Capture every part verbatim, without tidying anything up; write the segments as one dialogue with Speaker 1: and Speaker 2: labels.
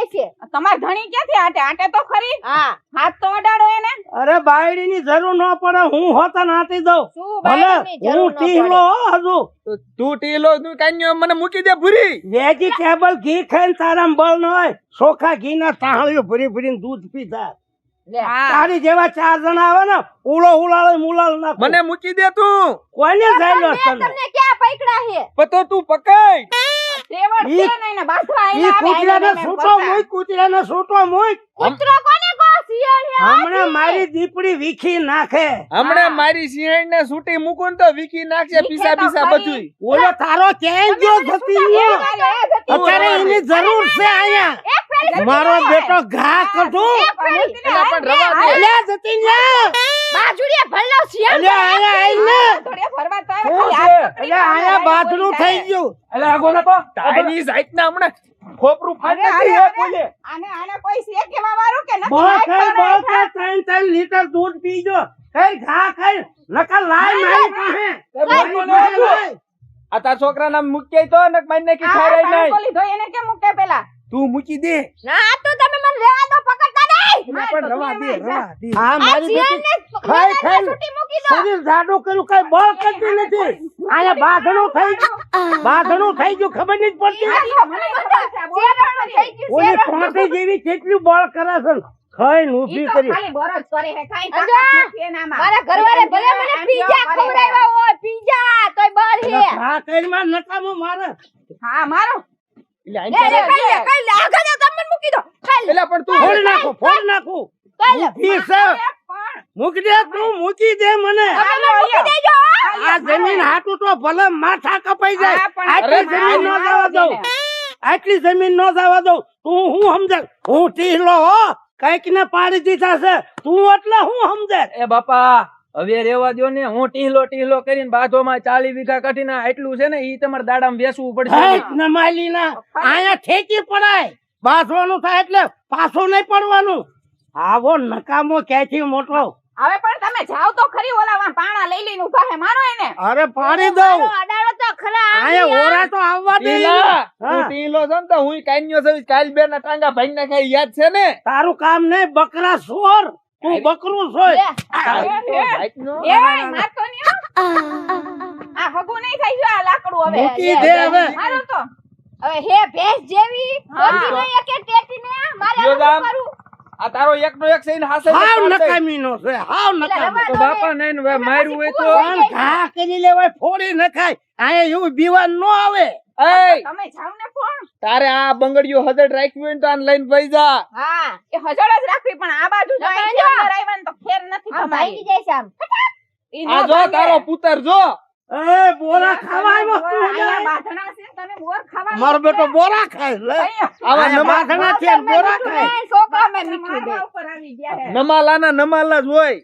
Speaker 1: છે.
Speaker 2: તમાર ધણી ક્યાંથી આટે આટે તો ખરી.
Speaker 1: હા
Speaker 2: હાથ તો અડાડો એને.
Speaker 3: અરે બાયડીની જરૂર ન પડે, હું હોતા નાતી દઉં.
Speaker 1: શું
Speaker 3: ભલે
Speaker 1: બાયડીની જરૂર
Speaker 3: હું
Speaker 1: ન
Speaker 3: ટીહલો હો હજુ.
Speaker 4: તો તું ટીલો તું કાન્યો મને મૂકી દે ભૂરી.
Speaker 3: વેજીટેબલ ઘી ખાઈને તારામાં બળ ન હોય. ચોખા ઘીના તાહળીઓ ભરી ભરીને દૂધ પીતા.
Speaker 1: લે
Speaker 3: તારી જેવા ચાર જણા આવે ને ઉલો ઉલાળે મુલાળ નાખો.
Speaker 4: મને મૂકી દે તું.
Speaker 3: કોઈને જાયલો
Speaker 1: મેં તમને ક્યાં પકડા છે?
Speaker 4: પણ તો તું પકડ.
Speaker 2: ત્રેવડ
Speaker 3: ઈ-
Speaker 2: છે ને એને બાથવા
Speaker 3: ઈ
Speaker 2: આયલા આવે,
Speaker 3: કૂતરાને
Speaker 2: આયલા
Speaker 3: સૂટો
Speaker 2: એને
Speaker 3: મૂક, કૂતરાને સૂટો મૂક.
Speaker 1: કૂતરો કોને કહો? શિયાળ હે આ
Speaker 3: હમણાં
Speaker 1: છે.
Speaker 3: મારી દીપડી વીખી નાખે.
Speaker 4: હમણાં મારી સિંહણ ને સૂટી મૂકું ને તો વીકી નાખશે
Speaker 2: વીખે
Speaker 4: પીસા
Speaker 2: તો
Speaker 4: પીસા
Speaker 2: ખરી.
Speaker 4: બધું.
Speaker 3: ઓલો તારો ક્યાંય ગયો જતી રહ્યો. અત્યારે એની જરૂર છે અહીંયા.
Speaker 1: એક ફેરી
Speaker 3: મારો બેટો ઘા કઢું.
Speaker 4: એલા પણ રવા દે.
Speaker 3: અલ્યા જતી ન્યા.
Speaker 1: બાજુડીએ ભલ્લો શિયાળ
Speaker 3: અલ્યા અહીંયા આઈને.
Speaker 2: થોડી ફરવા તો આવે,
Speaker 4: શું
Speaker 2: ખાલી
Speaker 4: છે?
Speaker 2: હાથ પકડીને
Speaker 3: અલ્યા અહીંયા
Speaker 2: આયલા
Speaker 3: બાથરૂમ
Speaker 2: બોલી
Speaker 3: થઈ ગયું.
Speaker 4: એલા આગો ના તો તારી સાઈડ ના હમણાં ખોપરું ફાટ
Speaker 2: અરે,
Speaker 4: નાખી
Speaker 2: અરે,
Speaker 4: હે કોલે.
Speaker 2: આને આને કોઈ છે કેવા વાળું કે નથી
Speaker 3: બળ ખાઈ
Speaker 2: નાખવાનો
Speaker 3: બળ
Speaker 2: એ
Speaker 3: ખાઈ ત્રણ ત્રણ લીટર દૂધ પીજો. કઈ ઘા ખાઈ નકર લાય મારી પાસે.
Speaker 4: તે બોલતો ન
Speaker 3: મારી પાસે
Speaker 4: હતો.
Speaker 3: લાય.
Speaker 4: આ તાર છોકરા નામ મૂકી તો ને મારી નાખી
Speaker 2: આ
Speaker 4: ખાઈ રહી
Speaker 2: ટાંકો
Speaker 4: નહીં.
Speaker 2: લીધો એને કેમ મૂકે પેલા?
Speaker 4: તું મૂકી દે.
Speaker 1: ના આ તો તમે મને લેવા દો, પકડતા નહીં.
Speaker 4: એલા પણ રવા દે રવા દે.
Speaker 3: આ
Speaker 1: આ
Speaker 3: મારી
Speaker 1: શિયાળને
Speaker 3: બેટી ખાઈ ખાઈ
Speaker 1: છૂટી મૂકી દો.
Speaker 3: શરીર જાડું કર્યું, કઈ બળ કરતી નથી. અહીંયા બાંધણું થઈ ગયું. બાંધણું થઈ ગયું ખબર નહીં પડતી.
Speaker 2: મને ખબર છે, આ બોલ
Speaker 1: શેરણું થઈ ગયું,
Speaker 3: ઓલી
Speaker 1: શેરણું.
Speaker 3: ટોટી જેવી કેટલું બળ કરે છે. ખાઈને
Speaker 2: ઈ
Speaker 3: ઊભી
Speaker 2: તો
Speaker 3: કરી.
Speaker 2: ખાલી બરજ કરે છે, કાંઈ
Speaker 1: અંજા,
Speaker 2: તાકાત નથી એનામાં.
Speaker 1: મારા ઘરવાળે ભલે મને
Speaker 2: આમ
Speaker 1: પીઝા
Speaker 2: કેવા કરે છે.
Speaker 1: ખવડાવ્યા હોય, પીઝા તોય બળ હે.
Speaker 3: ઘા કરીને નકામો મારે.
Speaker 2: હા મારો
Speaker 4: એટલે આઈ
Speaker 1: લે લે
Speaker 4: ચાલે.
Speaker 1: ખાઈ લે ખાઈ લે આગળ જા, તમે મને મૂકી દો. ખાઈ લે
Speaker 4: એલા પણ તું
Speaker 3: ફોડી નાખું ફોડી નાખું.
Speaker 1: ખાઈ લે.
Speaker 3: ઊભી છે.
Speaker 2: પણ
Speaker 3: મૂકી દે તું, મૂકી દે મને.
Speaker 1: તમે મને મૂકી દેજો.
Speaker 3: આ જમીન હાટું તો ભલે માથા કપાઈ જાય.
Speaker 2: હા, પણ
Speaker 3: આટલી
Speaker 4: અરે
Speaker 3: જમીન ન
Speaker 2: મારો
Speaker 3: જવા દઉં.
Speaker 2: છે
Speaker 3: આટલી જમીન ન જવા દઉં. તું હું સમજે? હું ટીહલો હો. કઈક ને પાડી દીધા છે. તું એટલે હું સમજે?
Speaker 5: એ બાપા હવે રેવા દ્યો ને. હું ટીહલો ટીહલો કરીને બાજોમાં ચાલી વીઘા કાઢીને આટલું છે ને ઈ તમારે દાડામાં વેચવું પડશે.
Speaker 3: હેટ નમાલી ના અહીંયા ઠેકી પડાય. બાંધવાનું થાય એટલે પાછું નહીં પડવાનું. આવો નકામો ક્યાંથી મોટો.
Speaker 2: હવે પણ તમે જાવ તો ખરી ઓલા પાણા લઈ લઈને ઉભા હે, મારો એને.
Speaker 3: અરે પાડી દઉં.
Speaker 1: મારો અડાડો તો ખરા
Speaker 3: અહીંયા ઓરા તો આવવા દે.
Speaker 4: ટીલા, તું
Speaker 3: હા.
Speaker 4: ટીલો છે ને તો હુંય કાન્યો છું. કાલ બે ના ટાંગા ભાઈ નાખાય યાદ છે ને?
Speaker 3: તારું કામ નહીં બકરા સોર. તું બકરું સોય.
Speaker 1: લે.
Speaker 4: ભાઈનો.
Speaker 2: એ મારતો નહીં હો. આ હગું નહીં થઈ ગયું આ લાકડું હવે.
Speaker 3: મૂકી દે હવે.
Speaker 2: મારો તો
Speaker 1: હવે હે ભેંસ જેવી
Speaker 2: હા.
Speaker 1: ઓછી નહીં કે ટેટીને મારે
Speaker 4: જો
Speaker 1: આવું
Speaker 4: ગામ.
Speaker 1: કરું.
Speaker 4: આ તારો એકનો એક સહીને હાસે
Speaker 3: હાવ નકામીનો છે. હાવ
Speaker 1: એટલે
Speaker 3: નકામી.
Speaker 1: રવા
Speaker 5: તો
Speaker 1: દો
Speaker 5: બાપા
Speaker 1: ને.
Speaker 5: નહીં ને માર્યું હોય તો
Speaker 3: પણ ઘા કરી લેવાય, ફોડી નખાય. અહીંયા એવું બીવાન ન આવે.
Speaker 4: એય,
Speaker 2: તમે જાવ ને પણ
Speaker 4: તારે આ બંગડીઓ હદડ રાખ્યું હોય ને તો આને લઈને વઈ જા.
Speaker 1: હા
Speaker 2: એ હજળ જ રાખવી, પણ આ બાજુ જો
Speaker 1: તમે
Speaker 2: અહીંથી
Speaker 1: જો.
Speaker 2: અંદર આવ્યા ને તો ફેર નથી
Speaker 1: આ ભાઈ
Speaker 2: તમારી.
Speaker 1: જાય છે આમ.
Speaker 2: ઈ નો
Speaker 4: આ જો
Speaker 2: ભાંગે.
Speaker 4: તારો પુત્ર જો.
Speaker 3: એ બોરા ખાવા આવ્યો તું
Speaker 2: અહીંયા
Speaker 3: અહીંયા.
Speaker 2: બાંધણા છે, તમે બોર ખાવાનું
Speaker 3: મારો બેટો બોરા ખાય. લે
Speaker 2: અહીંયા.
Speaker 4: આવા
Speaker 3: આયા
Speaker 4: નમા
Speaker 3: બાંધણા છે ને બોરા ખાય.
Speaker 1: એ છોકરા મેં મીઠું દે.
Speaker 2: મારવા ઉપર આવી ગયા હે.
Speaker 4: નમાલાના નમાલા જ હોય.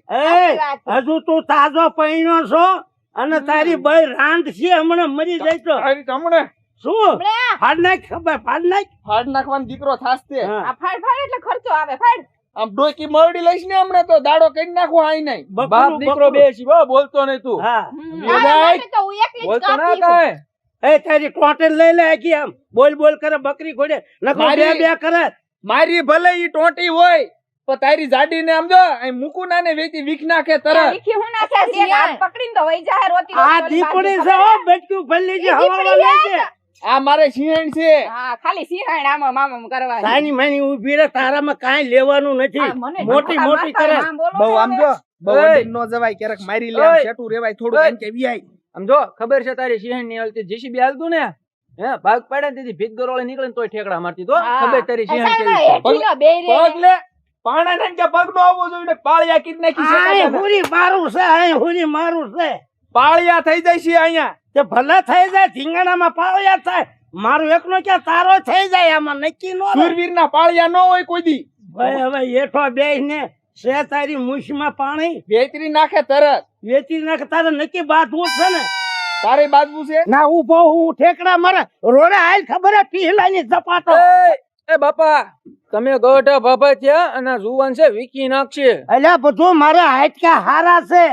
Speaker 3: એ હજુ તું તાજો પૈણો છો અને તારી બઈ રાંડ છે, હમણાં મરી જાય તો
Speaker 4: તારી તમણે
Speaker 3: શું
Speaker 1: લે.
Speaker 3: ફાડ નાખ. ખબર ફાડ નાખ.
Speaker 4: ફાડ નાખવાનો દીકરો થાસતે.
Speaker 3: હા.
Speaker 2: આ ફાડ ફાડ એટલે ખર્ચો આવે ફાડ.
Speaker 4: આમ ડોકી મરડી લઈશ ને હમણાં તો દાડો કરી નાખો આઈ નહીં.
Speaker 3: બકરું,
Speaker 5: બાપ દીકરો
Speaker 3: બકરું.
Speaker 5: બે છે હો, બોલતો નહીં તું.
Speaker 3: હા
Speaker 1: મારા
Speaker 4: યોજાય.
Speaker 1: માટે તો હું એકલી જ
Speaker 5: બોલતો ના
Speaker 1: કાપી છું.
Speaker 5: કાંઈ.
Speaker 3: એ તારી ટોટેલ લઈ લે આખી આમ બોલ બોલ કરે બકરી ઘોડે નકો બે
Speaker 4: મારી-
Speaker 3: બે કરે.
Speaker 4: મારી ભલે ઈ ટોટી હોય પણ તારી જાડી ને આમ જો અહીં મૂકું ના ને વેચી વીખ નાખે
Speaker 2: આ
Speaker 4: તરત.
Speaker 2: વીખી હું ના છે, એક હાથ પકડીને તો વઈ જાહે રોતી
Speaker 3: આ
Speaker 2: રોતી ઓલી
Speaker 3: દીપડી
Speaker 2: બાજુ
Speaker 3: છે હો બચકું ભલ્લી જે
Speaker 1: ઈ
Speaker 3: હવાવા
Speaker 1: દીપડી
Speaker 3: લઈ છે.
Speaker 4: આ મારે સિંહણ છે.
Speaker 2: હા ખાલી સિંહાણ આમ આમ આમ કરવા.
Speaker 3: સાની માની ઊભી રહે, તારામાં કાંઈ લેવાનું નથી. મોટી મોટી કરે.
Speaker 4: બહુ આમ જો બહુ
Speaker 5: ઓય.
Speaker 4: અડીને નો જવાય, ક્યારેક મારી લે આમ
Speaker 5: ઓય.
Speaker 4: છેટું રેવાય થોડું
Speaker 5: ઓય.
Speaker 4: એમ કે વિયાય.
Speaker 5: આમ જો ખબર છે તારી સિંહણ ની હાલતી જીસીબી હાલતું ને હે ભાગ પાડે ને તેથી ભીત ગરોળી નીકળે ને તોય ઠેકડા મારતી તો
Speaker 2: હા.
Speaker 5: ખબર તારી સિંહણ
Speaker 1: અસામાં
Speaker 5: કેવી છે.
Speaker 1: હેઠીનો બેય રે.
Speaker 4: પગ લે પાણા ને કે પગ નો આવવો જોઈએ ને પાળિયા કીધ નાખી છે
Speaker 3: આય
Speaker 4: કાકાને.
Speaker 3: હુરી મારું છે, આય હુરી મારું છે.
Speaker 4: પાળિયા થઈ જાય છે અહીંયા.
Speaker 3: તે ભલે થઈ જાય ધીંગાણામાં પાળ્યા થાય. મારું એકનો ક્યાં તારો થઈ જાય, આમાં નક્કી નો રહે.
Speaker 4: સુરવીર ના પાળિયા ન હોય કોઈ દી.
Speaker 3: ભાઈ હવે હેઠો બેહીને છે તારી મૂછમાં પાણી
Speaker 4: વેતરી નાખે તરત.
Speaker 3: વેચી નાખ. તારે નક્કી બાંધવું છે ને.
Speaker 4: તારે બાજુ છે.
Speaker 3: ના ઉભો હું ઠેકડા મારે રોડે હાલ ખબર હે પીહલાની ઝપાટો.
Speaker 5: એ, એ બાપા તમે ગોઢા બાબા થયા અને જુવાન છે વીકી નાખશે.
Speaker 3: અલ્યા બધું મારે હાટકા હારા છે.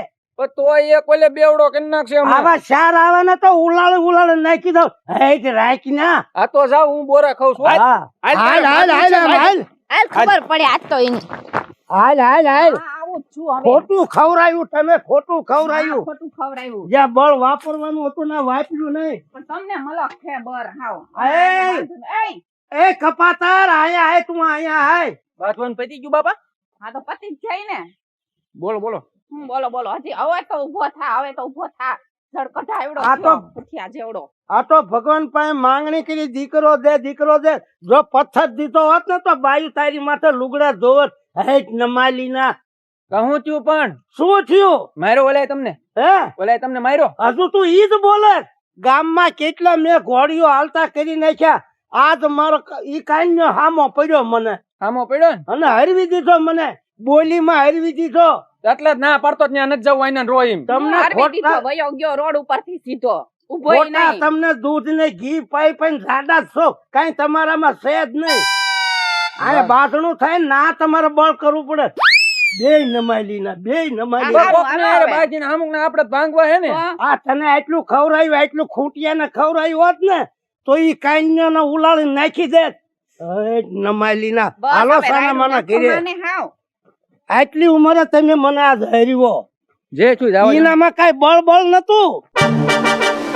Speaker 5: પણ તોય એક ઓલે બેવડો કરી નાખશે હમણાં.
Speaker 3: આવા ચાર આવે ને તો ઉલાળે ઉલાળે નાખી દો હેઠ રાખી ના
Speaker 5: આ તો જાવ હું બોરા ખાઉં છું.
Speaker 3: હા હાલ હાલ હાલ હાલ હાલ
Speaker 1: હાલ ખબર પડે આજ તો એની
Speaker 3: હાલ હાલ હાલ
Speaker 2: હા, આવું જ છું હવે
Speaker 3: ખોટું ખવરાયું તમે ખોટું
Speaker 2: હા,
Speaker 3: ખવરાયું
Speaker 2: ખોટું ખવડાવ્યું
Speaker 3: જ્યાં બળ વાપરવાનું હતું ને વાપર્યું નહીં
Speaker 2: પણ તમને મલક છે બર હાવ
Speaker 3: એય!
Speaker 2: એય!
Speaker 3: એ કપાતાર આયા આય તું આયા આય
Speaker 5: બાથવાનું પતી ગયું બાપા?
Speaker 2: હા તો પતિ જ જાય ને
Speaker 5: બોલો બોલો.
Speaker 2: હમ, બોલો બોલો હજી હવે તો ઉભો થા હવે તો ઉભો થા જડ કઢાયવડો
Speaker 3: આ તો-
Speaker 2: થયો, પુઠિયા જેવડો
Speaker 3: આ તો ભગવાન પાસે માંગણી કરી દીકરો દે દીકરો દે જો પથ્થર દીધો હોત ને તો બાયુ તારી માથે લુગડા ધોવત હેઠ નમાલી ના
Speaker 5: કહું છું પણ
Speaker 3: શું થયું
Speaker 5: માર્યો ઓલાએ તમને?
Speaker 3: હે
Speaker 5: ઓલાએ તમને માર્યો?
Speaker 3: હજુ તું ઈ જ બોલે ગામમાં કેટલા મેં ઘોડીઓ હાલતા કરી નાખ્યા આજ મારો ક- ઈ કાંઈ હામો પડ્યો મને
Speaker 5: આમો પડ્યો ને
Speaker 3: અને હરવી દીધો મને બોલીમાં હરવી દીધો
Speaker 5: એટલે જ ના પાડતો જ ત્યાં નથી જવું આઈને રોય એમ.
Speaker 3: તમને
Speaker 2: મારવી દીધો
Speaker 3: ખોટા
Speaker 2: વયો ગયો રોડ ઉપરથી સીધો ઉભોય
Speaker 3: ખોટા
Speaker 2: નહીં
Speaker 3: તમને દૂધ ને ઘી પાઈ પાઈ જાડા જ છો કઈ તમારામાં છે જ નહીં આ બાથણું થાય ને ના તમારે બળ કરવું પડે બે નમાલી ના બે નમાલી
Speaker 2: આ
Speaker 5: કોકને
Speaker 2: હાલો
Speaker 5: હારે
Speaker 2: હવે.
Speaker 5: બાજીને અમુકને આપણે જ ભાંગવા હે ને.
Speaker 2: તો
Speaker 3: આ તને આટલું ખવરાયું આટલું ખૂંટિયા ને ખવરાયું હોત ને તો ઈ કાંઈ ને ઉલાળી નાખી દે નમાલી ના
Speaker 2: બસ
Speaker 3: હાલો
Speaker 2: હવે
Speaker 3: સાના
Speaker 2: રાયડું
Speaker 3: માના
Speaker 2: નાખો
Speaker 3: ઘરે
Speaker 2: માને હાવ
Speaker 3: આટલી ઉંમરે તમે મને આ હરીવો
Speaker 5: જે છું જવા દે.
Speaker 3: ઈનામાં કઈ બળ બળ નતું